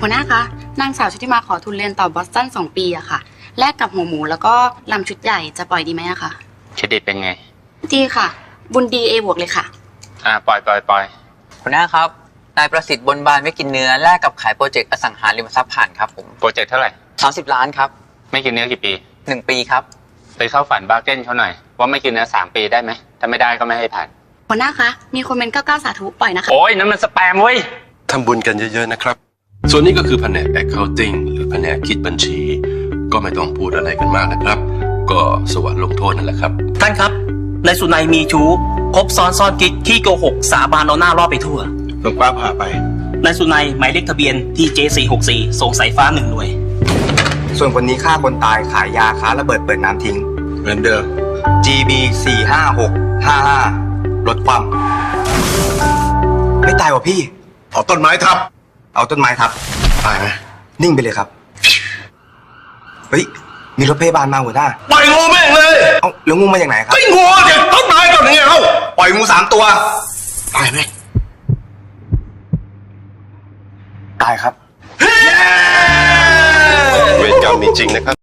หัวหน้าคะนางสาวชุติมาขอทุนเรียนต่อบอสตัน2 ปีอะค่ะแลกกับหัวหมูแล้วก็ลำชุดใหญ่จะปล่อยดีไหมอะคะเครดิตเป็นไงดีค่ะบุญดี A บวกเลยค่ะปล่อยหัวหน้าครับนายประสิทธิ์บนบานไม่กินเนื้อแลกกับขายโปรเจกต์อสังหาริมทรัพย์ผ่านครับผมโปรเจกต์เท่าไหร่ 30 ล้านครับไม่กินเนื้อกี่ปี 1 ปีครับไปเข้าฝันบาร์เก้นเขาหน่อยว่าไม่กินเนื้อ3 ปีได้ไหมถ้าไม่ได้ก็ไม่ให้ผ่านหัวหน้าคะมีคนเมน99 สาธุปล่อยนะคะโอ้ยนั่นมันสแปมเว้ยทำบุญกันเยอะๆนะครับส่วนนี้ก็คือแผนก accounting หรือแผนกคิดบัญชีก็ไม่ต้องพูดอะไรกันมากนะครับก็สวรรค์ลงโทษนั่นแหละครับท่านครับนายสุนัยมีชู้คบซ้อนกิ๊กขี้โกหกสาบานเอาหน้ารอดไปทั่วหลวงป้าพาไปนายสุนัยหมายเลขทะเบียนที่ J464 ส่งสายฟ้า1 หน่วยส่วนคนนี้ฆ่าคนตายขายยาค้าระเบิดเปิดน้ำทิ้งเหมือนเดิม GB 45655ลดความไม่ตายว่ะพี่เอาต้นไม้ทับเอาต้นไม้ทับตายไหมนิ่งไปเลยครับเฮ้ยมีรถพยาบาลมาหัวหน้าปล่อยงูแม่งเลยเอ้าแล้วงูมาจากไหนครับไอ้งูเด็กต้นไม้ก่อนไงเอ้าปล่อยงู3 ตัวตายไหมตายครับเวรกรรมมีจริงนะครับ